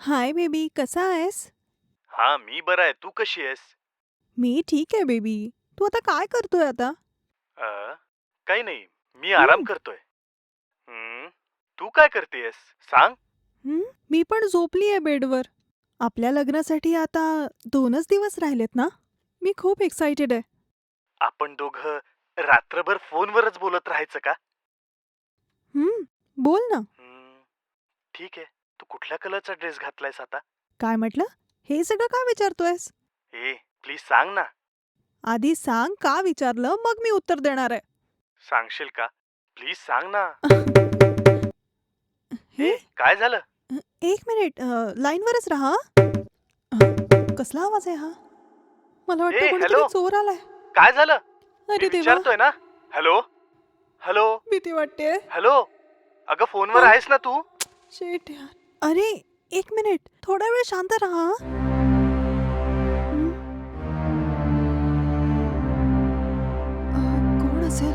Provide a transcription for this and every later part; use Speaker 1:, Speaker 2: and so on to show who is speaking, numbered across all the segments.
Speaker 1: Hi baby, कसा आहेस?
Speaker 2: हा, मी बरा आहे. तू कशी आहेस?
Speaker 1: मी ठीक आहे बेबी. तू आता काय करतोय आता?
Speaker 2: अ, काही नाही. मी आराम
Speaker 1: हं,
Speaker 2: करतोय. हं. तू काय करतेयस? सांग.
Speaker 1: हं. मी पण झोपली आहे बेडवर. आपल्या लग्नासाठी आता 2च दिवस राहिलेत ना? मी खूप एक्सायटेड आहे.
Speaker 2: आपण दोघं रात्रभर फोनवरच बोलत राहायचं का?
Speaker 1: हं, बोल ना.
Speaker 2: हं. ठीक आहे. तू कुठल्या कलरचा ड्रेस घातलायस आता?
Speaker 1: काय म्हटलं? हे सगळं का विचारतोयस?
Speaker 2: ए, प्लीज सांग ना.
Speaker 1: आधी सांग का विचारलं, मग मी उत्तर देणार आहे.
Speaker 2: सांगशील का? प्लीज सांग ना.
Speaker 1: हे
Speaker 2: ए, काय झालं?
Speaker 1: 1 मिनिट लाईनवरच राहा. कसला आवाज आहे हा? मला वाटतं
Speaker 2: ए,
Speaker 1: कोणीतरी
Speaker 2: हॅलो.
Speaker 1: चोर आलाय.
Speaker 2: काय झालं? मी
Speaker 1: अरे देवा!
Speaker 2: विचारतोय ना. हॅलो? हॅलो?
Speaker 1: भीती वाटतेय.
Speaker 2: हॅलो? अगं फोनवर आहेस ना तू?
Speaker 1: शिट यार. अरे, 1 मिनिट. थोडा वेळ शांत राहा हं. कोण असेल?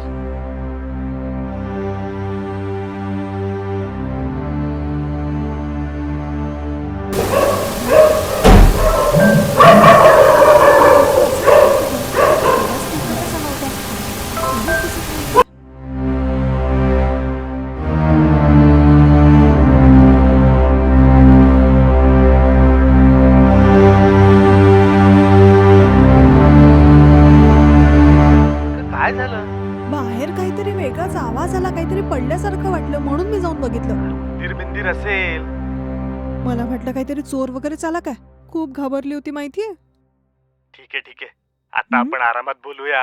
Speaker 1: कोण असेल काहीतरी. आवाज तर इतका कसा नव्हता. कोणीच दिसत नाहीये.
Speaker 2: अगं काय झालं?
Speaker 1: बाहेर काहीतरी वेगळाच आवाज आला, काहीतरी पडल्यासारखं वाटलं म्हणून मी जाऊन बघितलं.
Speaker 2: उंदीर बिंदीर असेल.
Speaker 1: मला वाटलं काहीतरी चोर वगैरे आला काय. खूप घाबरली होती माहितीये.
Speaker 2: ठीक आहे, ठीक आहे. आता
Speaker 1: हं,
Speaker 2: आपण आरामात बोलूया.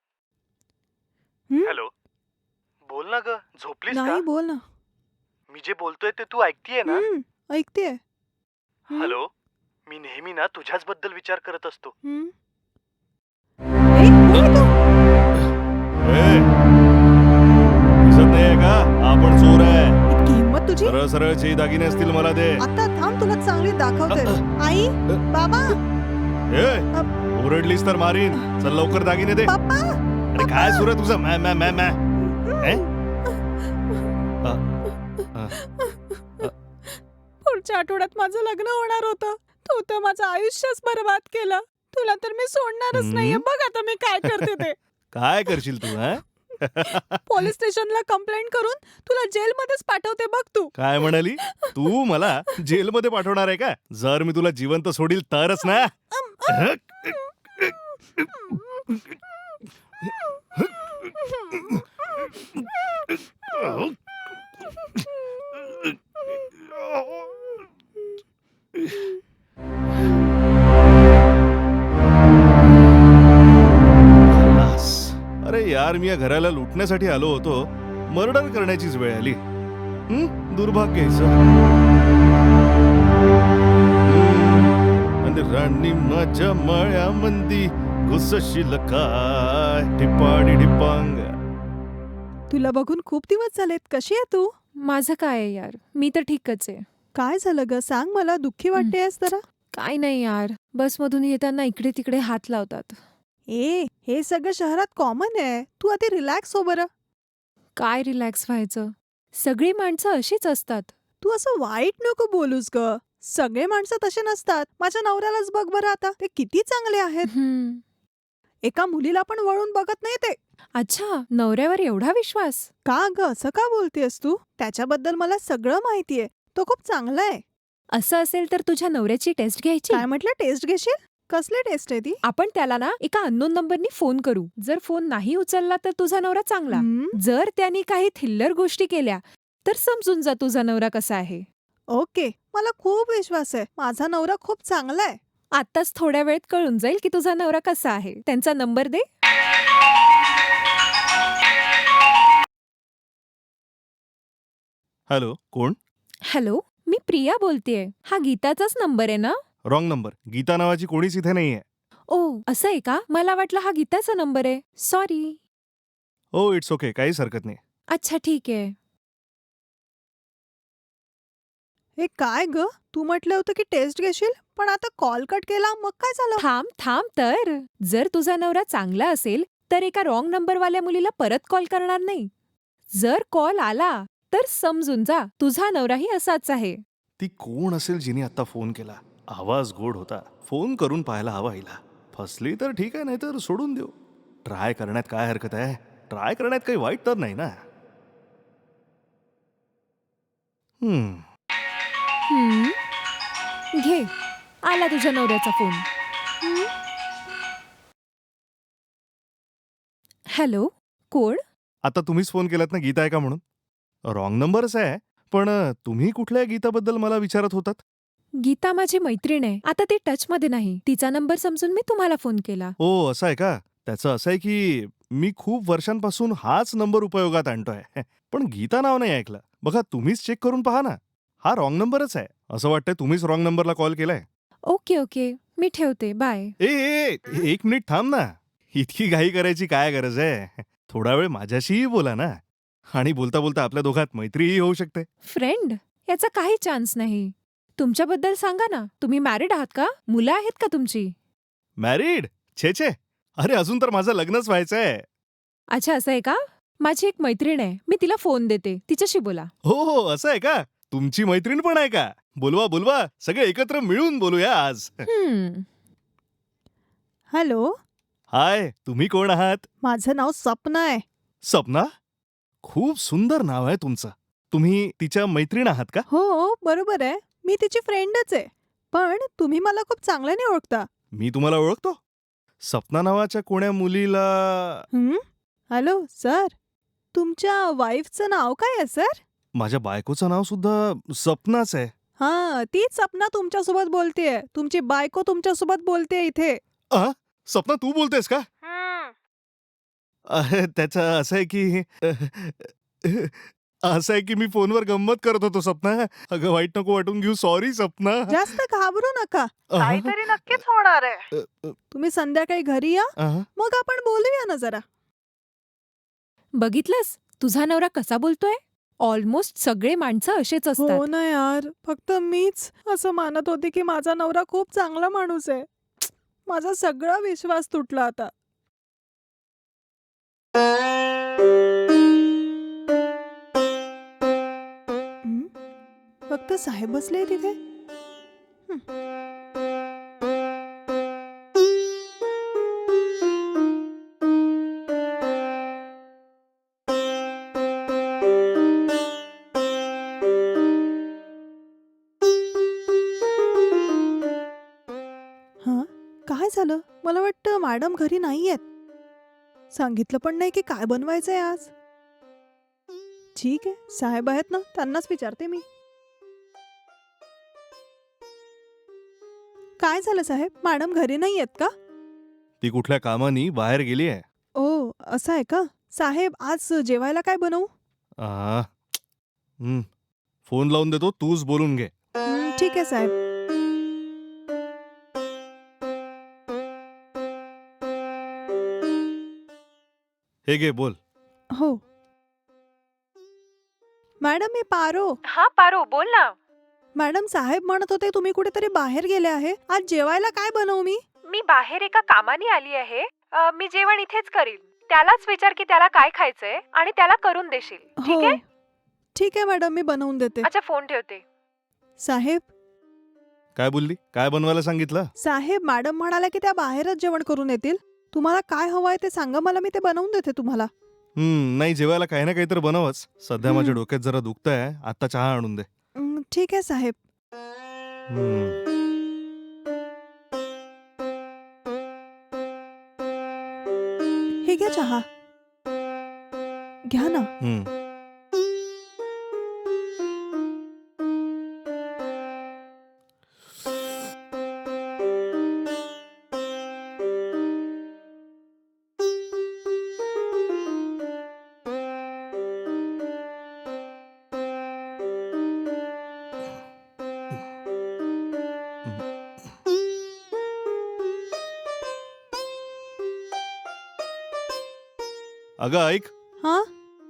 Speaker 1: हं.
Speaker 2: हॅलो. बोल ना ग, झोपलीस का?
Speaker 1: नाही बोल ना.
Speaker 2: मी जे बोलतोय ते तू ऐकतीये ना?
Speaker 1: हं, ऐकतेय. हं,
Speaker 2: हॅलो. मी नेहमी ना तुझ्याच बद्दल विचार करत असतो.
Speaker 1: हं. ए, कोण आहे तो?
Speaker 3: ए, दिसत नाहीये का? आपण चोर आहे.
Speaker 1: इतकी हिंमत तुझी?
Speaker 3: सरळ सरळ जे दागिने असतील मला दे.
Speaker 1: आता थांब, तुला चांगली दाखवते. आई, बाबा,
Speaker 3: ए,
Speaker 1: अ,
Speaker 3: ओरडलीस तर मारीन. चल लवकर दागिने दे.
Speaker 1: पप्पा,
Speaker 3: अरे काय सुरू आहे तुझं? मॅ मॅ मॅ मॅ ए? अ, अ, अ,
Speaker 1: पुढच्या आठवड्यात माझं लग्न होणार होतं. तू तर माझं आयुष्यच बरबाद केलं. तुला तर मी सोडणारच नाहीये.
Speaker 3: हम्म?
Speaker 1: बघ आता मी काय करते ते.
Speaker 3: काय करशील तू हा?
Speaker 1: पोलीस स्टेशनला कंप्लेंट करून तुला जेलमध्येच पाठवते बघ तू.
Speaker 3: काय म्हणाली? तू मला जेलमध्ये पाठवणार आहे का? जर मी तुला जिवंत सोडील तरच ना. खल्लास. अरे यार, मी या घराला लुटण्यासाठी आलो होतो. मर्डर करण्याचीच वेळ आली. दुर्भाग्य आहे सर. आणि राणी माझ्या मळ्यामंदी घुसशील काय टिपाडी टिपांग.
Speaker 1: तुला बघून खूप दिवस झालेत. कशी आहे तू?
Speaker 4: माझं काय आहे यार, मी तर ठीकच आहे.
Speaker 1: काय झालं ग? सांग मला. दुःखी वाटतेयस जरा.
Speaker 4: काय नाही यार, बसमधून येताना इकडे तिकडे हात लावतात.
Speaker 1: हे सगळं शहरात कॉमन आहे. तू आधी रिलॅक्स हो बरं.
Speaker 4: काय रिलॅक्स व्हायचं? सगळी माणसं अशीच असतात.
Speaker 1: तू असं वाईट नको बोलूस ग. सगळे माणसं तसे नसतात. माझ्या नवऱ्यालाच बघ बरं आता. ते किती चांगले आहेत.
Speaker 4: हम्म.
Speaker 1: एका मुलीला पण वळून बघत नाही ते.
Speaker 4: अच्छा, नवऱ्यावर एवढा विश्वास?
Speaker 1: का ग असं का बोलतेस तू? त्याच्याबद्दल मला सगळं माहितीये. तो खूप चांगला आहे.
Speaker 4: असं असेल तर तुझ्या नवऱ्याची टेस्ट घ्यायची.
Speaker 1: काय म्हटलं? टेस्ट घेशील? कसली टेस्ट आहे ती?
Speaker 4: आपण त्याला ना एका अननोन नंबरनी फोन करू. जर फोन नाही उचलला तर तुझा नवरा चांगला.
Speaker 1: हं,
Speaker 4: जर त्यांनी काही थिल्लर गोष्टी केल्या तर समजून जा तुझा नवरा कसा आहे.
Speaker 1: ओके. मला खूप विश्वास आहे. माझा नवरा खूप चांगला आहे.
Speaker 4: आत्ताच थोड्या वेळेत कळून जाईल की तुझा नवरा कसा आहे. त्यांचा नंबर दे.
Speaker 3: हॅलो, कोण?
Speaker 4: हॅलो, मी प्रिया बोलतेय. हा गीताचाच नंबर आहे ना?
Speaker 3: Wrong number. गीता नावाची कोणीच इथे नाहीये.
Speaker 4: ओ, असं आहे का? मला वाटलं हा गीताचा नंबर आहे. सॉरी.
Speaker 3: हो, इट्स ओके. काहीच हरकत नाही.
Speaker 4: अच्छा, ठीक आहे.
Speaker 1: हे काय ग? तू म्हटलं होतं की टेस्ट घेशील, पण आता कॉल कट केला, मग काय झालं?
Speaker 4: थांब थांब तर. जर तुझा नवरा चांगला असेल तर एका रॉंग नंबरवाल्या मुलीला परत कॉल करणार नाही. जर कॉल आला तर समजून जा तुझा नवराही असाच आहे.
Speaker 3: ती कोण असेल जिने आता फोन केला? आवाज गोड होता. फोन करून पाहायला हवा हिला. फसली तर ठीक आहे, नाहीतर सोडून देऊ. ट्राय करण्यात काय हरकत आहे? ट्राय करण्यात काही वाईट तर नाही ना. हम्म.
Speaker 4: घे, आला तुझ्या नवऱ्याचा फोन. हॅलो, कोण?
Speaker 3: आता तुम्हीच फोन केलात ना गीता आहे का म्हणून? रॉंग नंबरच आहे. पण तुम्ही कुठल्या गीताबद्दल मला विचारत होतात?
Speaker 4: गीता माझी मैत्रीण आहे. आता ती टचमध्ये नाही. तिचा नंबर समजून मी तुम्हाला फोन केला.
Speaker 3: ओ असं आहे का? त्याचं असं आहे की मी खूप वर्षांपासून हाच नंबर उपयोगात आणतोय. पण गीता नाव नाही ऐकलं. बघा तुम्हीच चेक करून पहा ना. हा रॉंग नंबरच आहे. असं वाटतंय तुम्हीच रॉंग नंबरला कॉल केलाय.
Speaker 4: ओके, मी ठेवते. बाय.
Speaker 3: एक मिनिट थांब ना. इतकी घाई करायची काय गरज आहे? थोडा वेळ माझ्याशीही बोला ना. आणि बोलता बोलता आपल्या दोघात मैत्रीही होऊ शकते.
Speaker 4: फ्रेंड? याचा काही चान्स नाही. तुमच्याबद्दल सांगा ना. तुम्ही मॅरिड आहात का? मुलं आहेत का तुमची?
Speaker 3: मॅरिड? छे छे. अरे अजून तर माझं लग्नच व्हायचंय.
Speaker 4: अच्छा, असं आहे का? माझी एक मैत्रीण आहे. मी तिला फोन देते. तिच्याशी बोला.
Speaker 3: हो असं आहे का? तुमची मैत्रीण पण आहे का? बोलवा. सगळे एकत्र मिळून बोलूया आज.
Speaker 1: हॅलो,
Speaker 3: हाय, तुम्ही कोण आहात?
Speaker 1: माझं नाव सपना आहे.
Speaker 3: सपना? खूप सुंदर नाव आहे तुमचं. तुम्ही तिच्या मैत्रीण आहात का?
Speaker 1: हो, बरोबर आहे. मी तिची फ्रेंडच आहे. पण तुम्ही मला खूप चांगल्याने ओळखता.
Speaker 3: मी तुम्हाला ओळखतो. सपना नावाच्या कोण्या मुलीला
Speaker 1: हॅलो, सर. तुमच्या वाईफचं नाव काय आहे, सर?
Speaker 3: माझ्या बायकोचं नाव सुद्धा सपनाच आहे.
Speaker 1: हां, तीच सपना तुमच्यासोबत बोलतेय. तुमची बायको तुमच्यासोबत बोलतेय इथे.
Speaker 3: सपना तू बोलतेस का? त्याचं असं आहे की मी फोनवर गंमत करत होतो सपना. अगं वाईट नको वाटून घेऊ. सॉरी सपना.
Speaker 1: जास्त घाबरू नका. काहीतरी नक्कीच होणार आहे. तुम्ही संध्याकाळी घरी या, मग आपण बोलूया ना जरा.
Speaker 4: बघितलंस? तुझा नवरा कसा बोलतोय? ऑलमोस्ट सगळे माणसं असेच असतात.
Speaker 1: हो ना यार, फक्त मीच असं मानत होते की माझा नवरा खूप चांगला माणूस आहे. माझा सगळा विश्वास तुटला आता. फक्त साहेब बसले तिथे. हां, काय झालं? मला वाटतं मॅडम घरी नाहीयेत. सांगितलं पण नाही की काय बनवायचंय आज. ठीक आहे, साहेब आहेत ना, त्यांनाच विचारते मी. काय झालं साहेब? मॅडम घरी नाहीयेत का?
Speaker 3: ती कुठल्या कामानी बाहेर गेली आहे.
Speaker 1: ओ, असं आहे का? साहेब, आज जेवायला काय बनवू?
Speaker 3: फोन लावून देतो, तूच बोलून घे.
Speaker 1: ठीक आहे साहेब.
Speaker 3: हे घे बोल.
Speaker 1: हो. मॅडम, मी पारो.
Speaker 4: हा पारो, बोल ना.
Speaker 1: मॅडम, साहेब म्हणत होते तुम्ही कुठेतरी बाहेर गेले आहे. आज जेवायला काय बनवू मी?
Speaker 4: मी बाहेर एका कामाने आली आहे. मी जेवण इथेच करीन. त्यालाच विचार की त्याला काय खायचंय आणि त्याला करून देशील. ठीक
Speaker 1: हो.
Speaker 4: आहे?
Speaker 1: ठीक आहे मॅडम, मी बनवून देते.
Speaker 4: अच्छा, फोन ठेवते.
Speaker 1: साहेब,
Speaker 3: काय बोलली? काय बनवायला सांगितलं?
Speaker 1: साहेब मॅडम म्हणाल्या की त्या बाहेरच जेवण करून येतील. तुम्हाला काय हवंय ते सांगा मला, मी ते बनवून देते तुम्हाला.
Speaker 3: नाही जेवायला काही ना काहीतरी बनवच. सध्या माझ्या डोक्यात जरा दुखतंय. आता चहा आणून दे.
Speaker 1: ठीक आहे साहेब. हे घ्या चहा. घ्या ना.
Speaker 3: अगं ऐक,
Speaker 1: हां,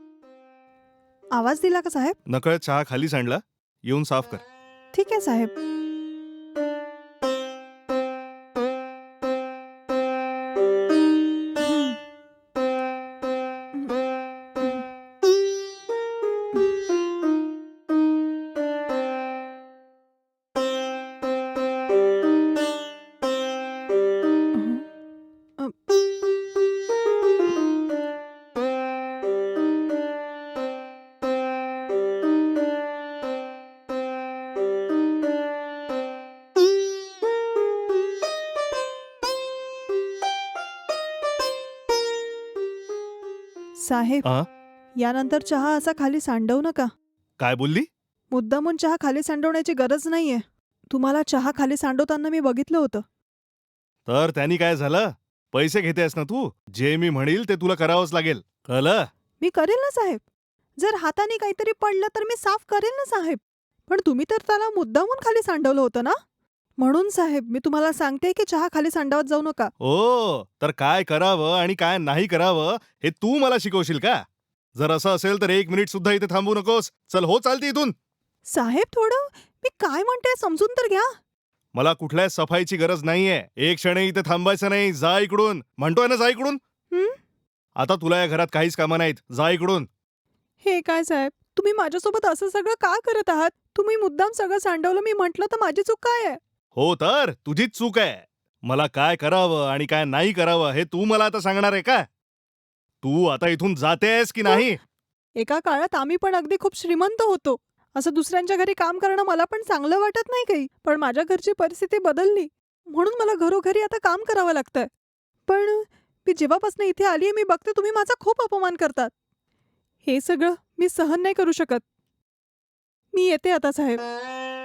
Speaker 1: आवाज दिला का साहेब?
Speaker 3: नकळत चहा खाली सांडला. येऊन साफ कर.
Speaker 1: ठीक आहे साहेब. साहेब
Speaker 3: आ?
Speaker 1: यानंतर चहा असा खाली सांडवू नका.
Speaker 3: काय बोलली?
Speaker 1: मुद्दामून चहा खाली सांडवण्याची गरज नाहीये. तुम्हाला चहा खाली सांडवताना मी बघितलं होतं.
Speaker 3: तर त्यांनी काय झालं? पैसे घेतेस ना तू? जे मी म्हणील ते तुला करावंच लागेल, कळलं?
Speaker 1: मी करेल ना साहेब. जर हाताने काहीतरी पडलं तर मी साफ करेल ना साहेब. पण तुम्ही तर त्याला मुद्दामून खाली सांडवलं होतं ना. म्हणून साहेब मी तुम्हाला सांगते की चहा खाली सांडवत जाऊ नका.
Speaker 3: ओ, तर काय करावं आणि काय नाही करावं हे तू मला शिकवशील का? जर असं असेल तर 1 मिनिट सुद्धा इथे थांबू नकोस. चल हो, चालती इथून.
Speaker 1: साहेब थोडं मी काय म्हणते समजून तर घ्या.
Speaker 3: मला कुठल्या सफाईची गरज नाहीये. एक क्षणही इथे थांबायचं नाही. जा इकडून. म्हणतोय ना, जा इकडून.
Speaker 1: हं?
Speaker 3: आता तुला या घरात काहीच कामं नाहीत. जा इकडून.
Speaker 1: हे काय साहेब तुम्ही माझ्यासोबत असं सगळं का करत आहात? तुम्ही मुद्दाम सगळं सांडवलं मी म्हटलं तर माझी चूक काय आहे?
Speaker 3: हो, तर तुझीच चूक आहे. मला काय करावं आणि काय नाही करावं हे तू मला आता सांगणार आहे का? तू आता इथून जातेस की नाही?
Speaker 1: एका काळात आम्ही पण अगदी खूप श्रीमंत होतो. असं दुसऱ्यांच्या घरी काम करणं मला पण चांगलं वाटत नाही काही. पण माझ्या घरची परिस्थिती बदलली म्हणून मला घरोघरी आता काम करावं लागतंय. पण मी जेव्हापासून इथे आलीये मी बघते तुम्ही माझा खूप अपमान करतात. हे सगळं मी सहन नाही करू शकत. मी येते आता साहेब.